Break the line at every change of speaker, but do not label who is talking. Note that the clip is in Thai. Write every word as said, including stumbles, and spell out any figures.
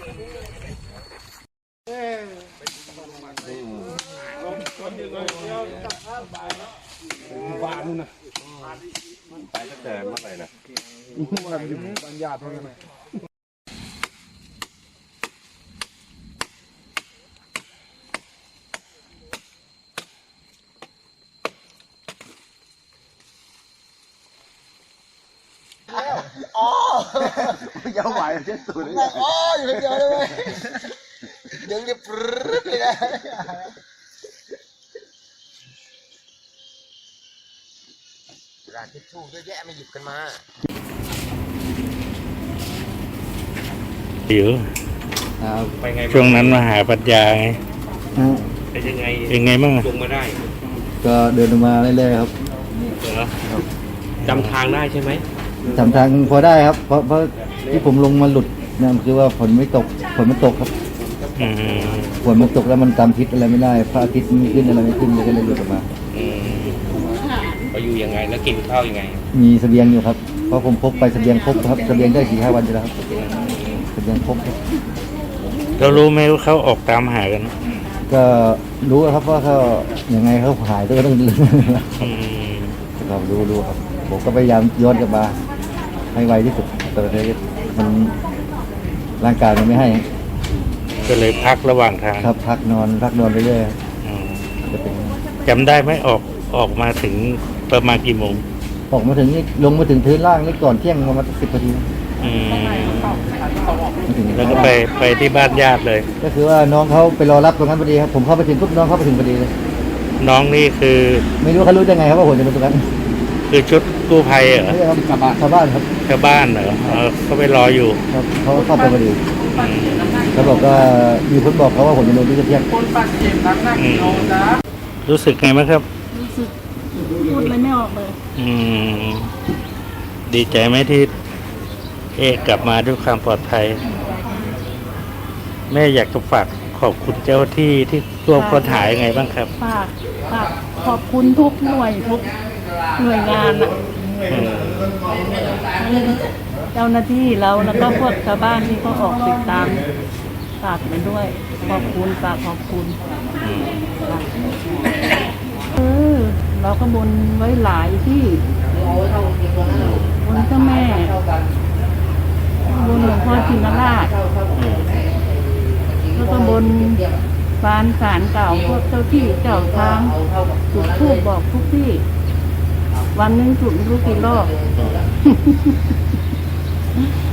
บ้านนู่นนะ
ไปตั้งแต่เมื่อไหร่นะ
มันอยู่บ้านญาติเท่านั้น
อ๋อเยาวไหวเช็ดสูดเลยอ๋ออยู่คนเดียวได้ไหมเดี๋ยวจะปรึ๊ดเลยนะร้านทิชชู่เยอะแยะไม่หยิบกันมา
หิวช่วงนั้นมาหาปัญญาไง
เป็นยังไง
เป็นไงบ้าง
ลงมาได้
ก็เดินมาเรื่อยๆครับ
จำทางได้ใช่ไหม
จำทางพอได้ครับเพราะเพราะที่ผมลงมาหลุดนั่นคือว่าฝนไม่ตกฝนมันตกครับฝนมันตกแล้วมันจำทิศอะไรไม่ได้พระอาทิตย์ไม่ขึ้นอะไรไม่ขึ้นเลยก็เลยหลุดออกมา
ไปอยู่ยังไงแล้วกินข้าวยังไง
มีเสบียงอยู่ครับเพราะผมพกไปเสบียงครบครับเสบียงได้สี่ห้าวันอยู่แล้วครับเสบียงครบ
เรารู้ไหมว่าเขาออกตามหากัน
ก็รู้ครับว่าเขาอย่างไงเขาหายก็ต้องดูครับรู้รู้ครับผมก็พยายามย้อนกลับมาให้ไวที่สุดแต่มันร่างกายมันไม่ให้
ก็เลยพักระหว่างทาง
ครับพักนอนพักนอนไปเรื่อย
จำได้ไหมออกออกมาถึงประมาณกี่โมง
ออกมาถึงนี่ลงมาถึงพื้นล่างนี่ก่อนเที่ยงประมาณสิบนาที
แล้วก็ไปไปที่บ้านญาติเลย
ก็คือว่าน้องเขาไปรอรับตรงนั้นพอดีครับผมเข้าไปถึงปุ๊บน้องเข้าไปถึงพอดีเลย
น้องนี่คือ
ไม่รู้เขารู้ได้ไงครับว่าผมจะมาตรงนั้น
คือชุดกู้ภัยเหรอ
ชาวบ้านชาวบ้านครับ
ชาวบ้านเหรอเขาไปรออยู่
ครับเขาเข้าไปพอดีเขาบอกว่ามีคนบอกเขาว่าผมจะลงที่เที่ยง
รู้สึกไงบ้างครับ
รู้สึกพูดอะไรไม่ออกเลย
อืมดีใจไหมที่เอกกลับมาด้วยความปลอดภัยแม่อยากจะฝากขอบคุณเจ้าที่ที่ร่วมค้นหายังไงบ้างครับ
ฝากฝากขอบคุณทุกหน่วยทุกหน่วยงานอ่ะเจ้าหน้าที่เราแล้วก็พวกชาวบ้านที่เขาออกติดตามฝากไปด้วยขอบคุณฝากขอบคุณเออเราก็บนไว้หลายที่บนเจ้าแม่บนหลวงพ่อชินราชแล้วก็บนฟานศาลเก่าพวกเจ้าที่เจ้าทางจุดธูปบอกทุกที่วันนึงจุดไม่รู้กี่รอบ